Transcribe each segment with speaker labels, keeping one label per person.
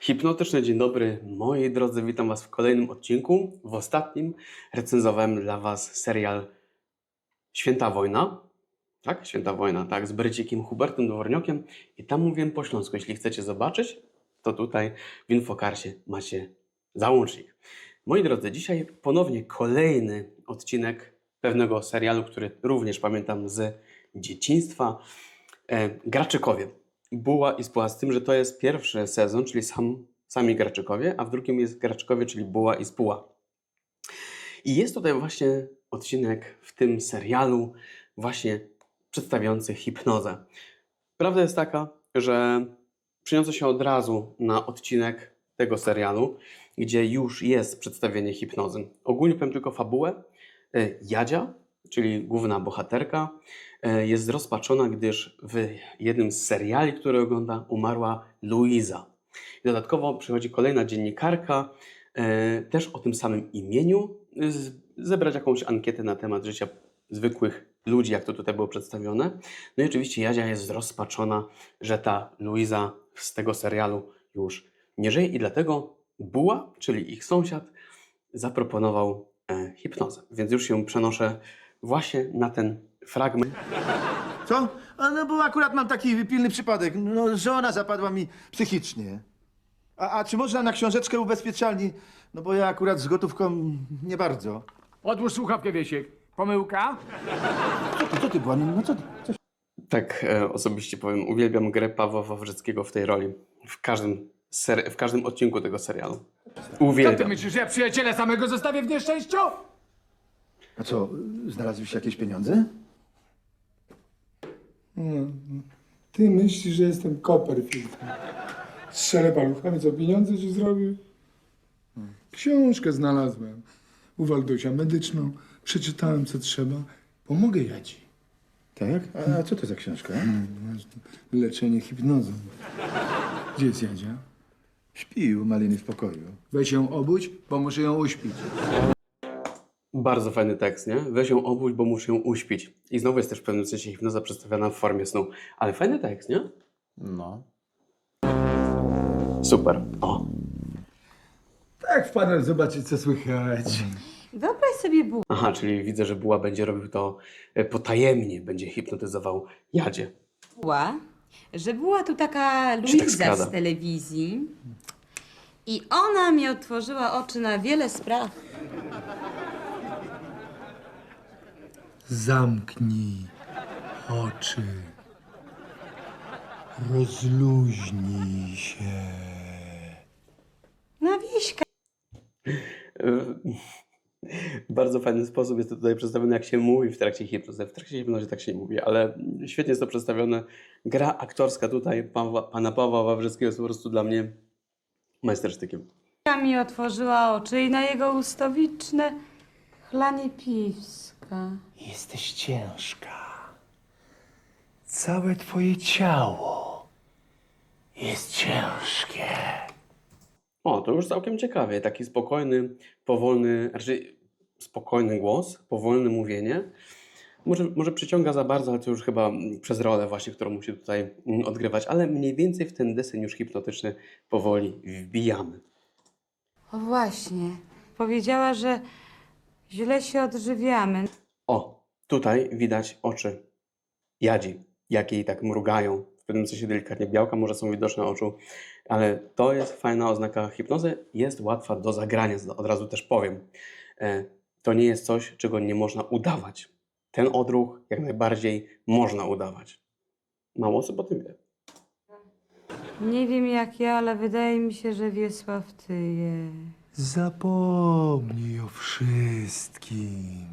Speaker 1: Hipnotyczny dzień dobry, moi drodzy, witam Was w kolejnym odcinku. W ostatnim recenzowałem dla Was serial Święta Wojna. Tak? Święta Wojna, tak, z Brycikiem Hubertem Dworniokiem. I tam mówiłem po śląsku. Jeśli chcecie zobaczyć, to tutaj w Infokarsie macie załącznik. Moi drodzy, dzisiaj ponownie kolejny odcinek pewnego serialu, który również pamiętam z dzieciństwa. Graczykowie. Buła i Spuła, z tym, że to jest pierwszy sezon, czyli sami Graczykowie, a w drugim jest Graczykowie, czyli Buła i Spuła. I jest tutaj właśnie odcinek w tym serialu właśnie przedstawiający hipnozę. Prawda jest taka, że przeniosę się od razu na odcinek tego serialu, gdzie już jest przedstawienie hipnozy. Ogólnie powiem tylko fabułę. Jadzia, czyli główna bohaterka, jest zrozpaczona, gdyż w jednym z seriali, który ogląda, umarła Luiza. I dodatkowo przychodzi kolejna dziennikarka, też o tym samym imieniu, zebrać jakąś ankietę na temat życia zwykłych ludzi, jak to tutaj było przedstawione. No i oczywiście Jadzia jest zrozpaczona, że ta Luiza z tego serialu już nie żyje i dlatego Buła, czyli ich sąsiad, zaproponował hipnozę. Więc już się przenoszę właśnie na ten fragment.
Speaker 2: Co? No bo akurat mam taki pilny przypadek. No, żona zapadła mi psychicznie. A czy można na książeczkę ubezpieczalni? No bo ja akurat z gotówką nie bardzo.
Speaker 3: Odłóż słuchawkę, Wiesiek. Pomyłka?
Speaker 2: Co ty była? No co ty?
Speaker 1: Tak, osobiście powiem, uwielbiam grę Pawła Wawrzyckiego w tej roli. W każdym odcinku tego serialu.
Speaker 3: Co ty
Speaker 1: Uwielbiam.
Speaker 3: myślisz, ja przyjaciela samego zostawię w nieszczęściu?
Speaker 2: A co, znalazłeś jakieś pieniądze?
Speaker 4: Ty myślisz, że jestem Copperfield. Strzelę paluchami, co pieniądze ci zrobił? Książkę znalazłem u Waldusia medyczną. Przeczytałem, co trzeba. Pomogę Jadzi.
Speaker 2: Tak? A co to za książka?
Speaker 4: Leczenie hipnozą. Gdzie jest Jadzia?
Speaker 2: Śpi u Maliny w pokoju.
Speaker 4: Weź ją obudź, bo muszę ją uśpić.
Speaker 1: Bardzo fajny tekst, nie? Weź ją obudź, bo muszę ją uśpić. I znowu jest też w pewnym sensie hipnoza przedstawiana w formie snu. Ale fajny tekst, nie?
Speaker 2: No.
Speaker 1: Super. O.
Speaker 4: Tak wpadłem zobaczyć, co słychać.
Speaker 5: Wyobraź sobie bułę,
Speaker 1: Aha, czyli widzę, że Buła będzie robił to potajemnie, będzie hipnotyzował Jadzie.
Speaker 5: że była tu taka
Speaker 1: Się tak
Speaker 5: Luiza
Speaker 1: skrada.
Speaker 5: z telewizji i ona mi otworzyła oczy na wiele spraw.
Speaker 4: Zamknij oczy. Rozluźnij się.
Speaker 5: Na wieśka.
Speaker 1: W bardzo fajny sposób jest to tutaj przedstawione, jak się mówi w trakcie hipnozy. W trakcie hipnozy tak się nie mówi, ale świetnie jest to przedstawione. Gra aktorska tutaj pana Pawła Wawrzyckiego jest po prostu dla mnie majstersztykiem.
Speaker 5: Mi otworzyła oczy i na jego ustawiczne chlanie piwska.
Speaker 4: Jesteś ciężka. Całe twoje ciało jest ciężkie.
Speaker 1: O, to już całkiem ciekawie. Taki spokojny, powolny, raczej spokojny głos, powolne mówienie. Może przyciąga za bardzo, ale to już chyba przez rolę właśnie, którą musi tutaj odgrywać. Ale mniej więcej w ten deseń już hipnotyczny powoli wbijamy.
Speaker 5: O właśnie, powiedziała, że źle się odżywiamy.
Speaker 1: O, tutaj widać oczy Jadzi, jak jej tak mrugają. W pewnym sensie delikatnie białka może są widoczne oczu, ale to jest fajna oznaka hipnozy. Jest łatwa do zagrania, od razu też powiem. To nie jest coś, czego nie można udawać. Ten odruch jak najbardziej można udawać. Mało osób o tym wie.
Speaker 5: Nie wiem jak ja, ale wydaje mi się, że Wiesław tyje.
Speaker 4: Zapomnij o wszystkim.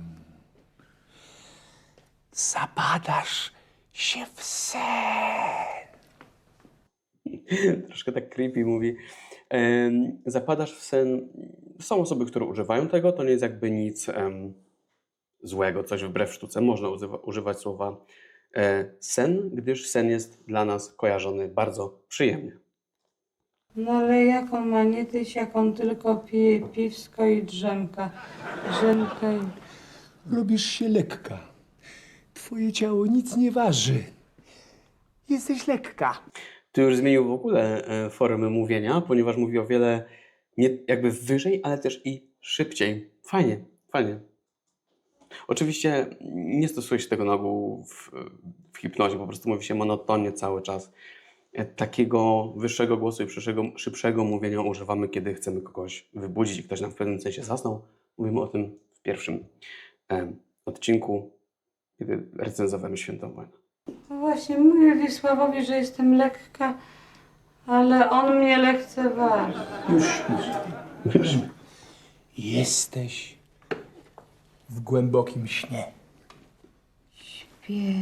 Speaker 4: Zapadasz się w sen.
Speaker 1: Troszkę tak creepy mówi. Zapadasz w sen. Są osoby, które używają tego. To nie jest jakby nic złego, coś wbrew sztuce. Można używać słowa sen, gdyż sen jest dla nas kojarzony bardzo przyjemnie.
Speaker 5: No ale jak on ma nie tyć, jak on tylko pije piwsko i drzemka. Drzemka i...
Speaker 4: Robisz się lekka. Twoje ciało nic nie waży. Jesteś lekka.
Speaker 1: Tu już zmienił w ogóle formy mówienia, ponieważ mówi o wiele nie, jakby wyżej, ale też i szybciej. Fajnie, fajnie. Oczywiście nie stosuje się tego na ogół w hipnozie, po prostu mówi się monotonnie cały czas. Takiego wyższego głosu i szybszego mówienia używamy, kiedy chcemy kogoś wybudzić i ktoś nam w pewnym sensie zasnął. Mówimy o tym w pierwszym odcinku, kiedy recenzowałem Świętą Wojnę.
Speaker 5: No właśnie, mówię Wiesławowi, że jestem lekka, ale on mnie lekceważy.
Speaker 4: Już. Jesteś w głębokim śnie.
Speaker 5: Śpię.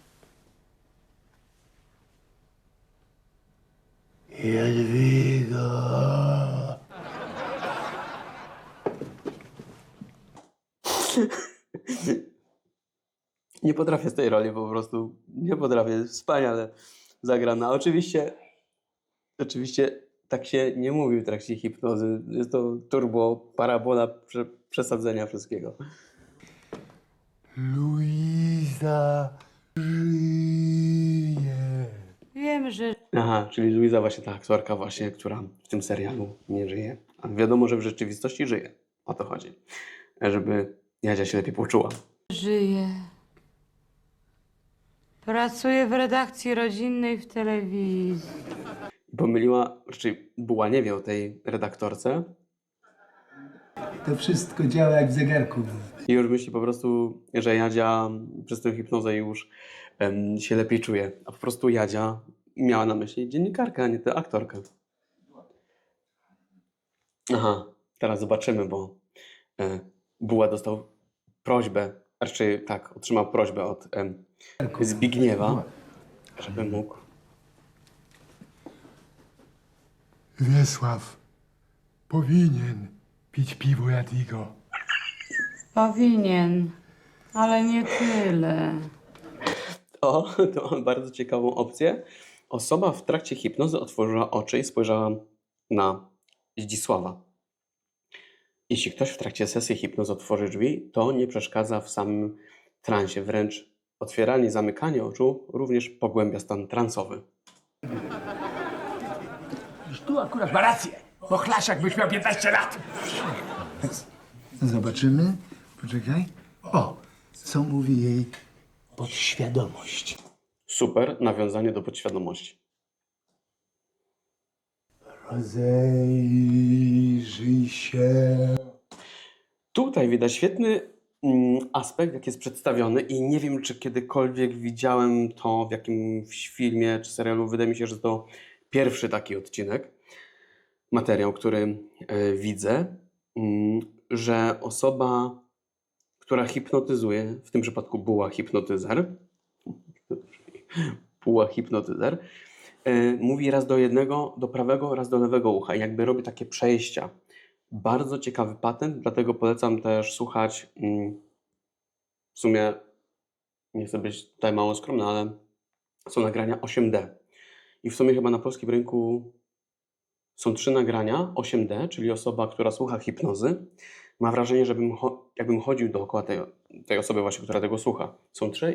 Speaker 2: Jadwiga.
Speaker 1: Nie potrafię z tej roli po prostu. Nie potrafię. Wspaniale zagrana. Oczywiście tak się nie mówi w trakcie hipnozy. Jest to turbo, parabola przesadzenia wszystkiego.
Speaker 4: Luiza żyje.
Speaker 5: Wiem, że
Speaker 1: Aha, czyli Luiza właśnie ta aktorka właśnie, która w tym serialu nie żyje. A wiadomo, że w rzeczywistości żyje. O to chodzi. Żeby Jadzia się lepiej poczuła.
Speaker 5: żyje. Pracuję w redakcji rodzinnej w telewizji.
Speaker 1: Pomyliła, raczej Buła nie wie o tej redaktorce
Speaker 4: To wszystko działa jak w zegarku.
Speaker 1: i już myśli po prostu, że Jadzia przez tę hipnozę już się lepiej czuje. A po prostu Jadzia miała na myśli dziennikarkę, a nie tę aktorkę. Aha, teraz zobaczymy, bo Buła dostał prośbę, raczej tak, otrzymał prośbę od Zbigniewa, żeby mógł.
Speaker 4: Wiesław powinien pić piwo Jadwigo.
Speaker 5: Powinien, ale nie tyle.
Speaker 1: O, to mam bardzo ciekawą opcję. Osoba w trakcie hipnozy otworzyła oczy i spojrzała na Zdzisława. Jeśli ktoś w trakcie sesji hipnozy otworzy drzwi, to nie przeszkadza w samym transie. Wręcz otwieranie i zamykanie oczu również pogłębia stan transowy.
Speaker 3: Tu akurat ma rację, bo Chlaszak byś miał 15 lat.
Speaker 2: Zobaczymy. Poczekaj. O, co mówi jej podświadomość.
Speaker 1: Super nawiązanie do podświadomości.
Speaker 4: Rozejrzyj się.
Speaker 1: Tutaj widać świetny aspekt, jak jest przedstawiony i nie wiem, czy kiedykolwiek widziałem to w jakimś filmie czy serialu. Wydaje mi się, że to pierwszy taki odcinek, materiał, który widzę, że osoba, która hipnotyzuje, w tym przypadku Buła hipnotyzer, mówi raz do jednego, do prawego, raz do lewego ucha i jakby robi takie przejścia. Bardzo ciekawy patent, dlatego polecam też słuchać. W sumie nie chcę być tutaj mało skromny, ale są nagrania 8D. I w sumie chyba na polskim rynku są 3 nagrania 8D, czyli osoba, która słucha hipnozy, ma wrażenie, że jakbym chodził dookoła tej osoby właśnie, która tego słucha. Są 3 i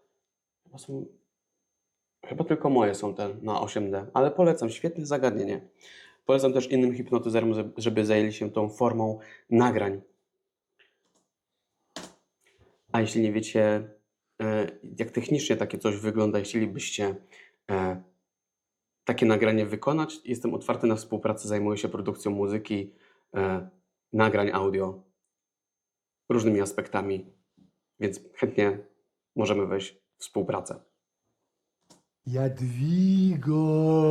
Speaker 1: chyba tylko moje są te na 8D, ale polecam, świetne zagadnienie. Polecam też innym hipnotyzerom, żeby zajęli się tą formą nagrań. A jeśli nie wiecie, jak technicznie takie coś wygląda, jeśli chcielibyście takie nagranie wykonać, jestem otwarty na współpracę, zajmuję się produkcją muzyki, nagrań audio, różnymi aspektami, więc chętnie możemy wejść w współpracę.
Speaker 4: Jadwigo.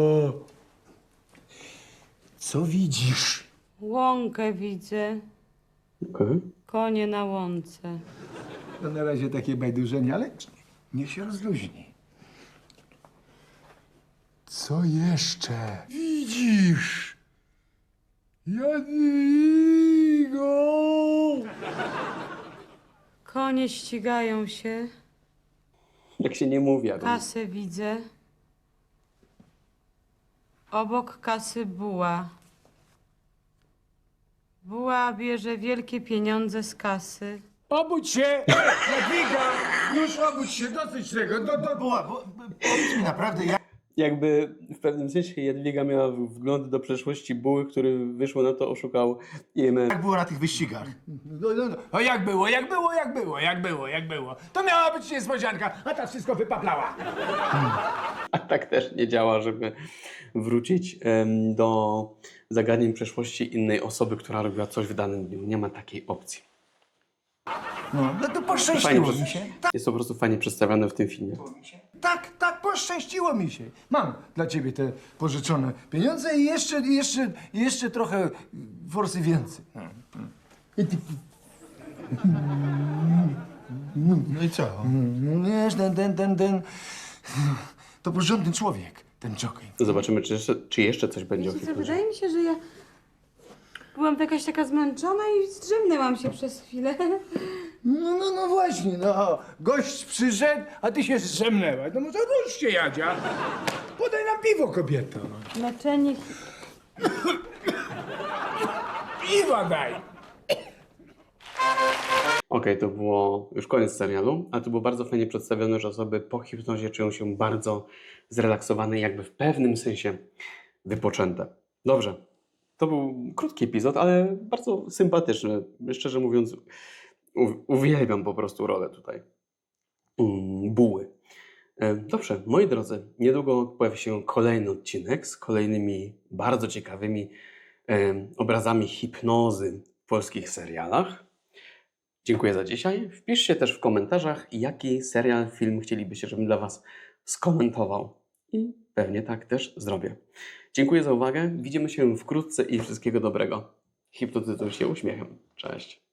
Speaker 4: Co widzisz?
Speaker 5: Łąkę widzę,
Speaker 1: Okay.
Speaker 5: konie na łące.
Speaker 2: No na razie takie bajdurzenie, ale niech się rozluźni.
Speaker 4: Co jeszcze widzisz? Jadwigo.
Speaker 5: Konie ścigają się,
Speaker 1: Jak się nie mówi, jak
Speaker 5: kasę widzę. Obok kasy buła. Buła bierze wielkie pieniądze z kasy.
Speaker 3: Obudź się! Jadwiga! Już obudź się, dosyć tego.
Speaker 2: Powiedz mi naprawdę,
Speaker 1: jakby w pewnym sensie Jadwiga miała wgląd do przeszłości buły, który wyszło na to oszukał IMF.
Speaker 2: Jak było na tych wyścigach?
Speaker 3: O jak było. To miała być niespodzianka, a ta wszystko wypaplała.
Speaker 1: A tak też nie działa, żeby wrócić do zagadnień przeszłości innej osoby, która robiła coś w danym dniu. Nie ma takiej opcji.
Speaker 3: No to poszczęściło
Speaker 1: Fajnie,
Speaker 3: mi się.
Speaker 1: Jest to po prostu fajnie przedstawione w tym filmie.
Speaker 3: Tak, poszczęściło mi się. Mam dla ciebie te pożyczone pieniądze i jeszcze trochę forsy więcej.
Speaker 2: No i co?
Speaker 3: Wiesz, ten, to porządny człowiek, ten jockey.
Speaker 1: Zobaczymy, czy jeszcze coś będzie o
Speaker 5: Wiecie co,
Speaker 1: Hitlerze.
Speaker 5: wydaje mi się, że ja byłam jakaś taka zmęczona i zdrzemnęłam się przez chwilę.
Speaker 3: No właśnie, no. Gość przyszedł, a ty się zdrzemnęłaś. No może ruszcie, Jadzia. Podaj nam piwo, kobieto.
Speaker 5: Leczenie
Speaker 3: Piwa daj.
Speaker 1: Okej, to było już koniec serialu, ale to było bardzo fajnie przedstawione, że osoby po hipnozie czują się bardzo zrelaksowane i jakby w pewnym sensie wypoczęte. Dobrze, to był krótki epizod, ale bardzo sympatyczny. Szczerze mówiąc, uwielbiam po prostu rolę tutaj buły. Dobrze, moi drodzy, niedługo pojawi się kolejny odcinek z kolejnymi bardzo ciekawymi obrazami hipnozy w polskich serialach. Dziękuję za dzisiaj. Wpiszcie też w komentarzach, jaki serial, film chcielibyście, żebym dla Was skomentował. I pewnie tak też zrobię. Dziękuję za uwagę. Widzimy się wkrótce i wszystkiego dobrego. Hipnotyzuj się uśmiechem. Cześć.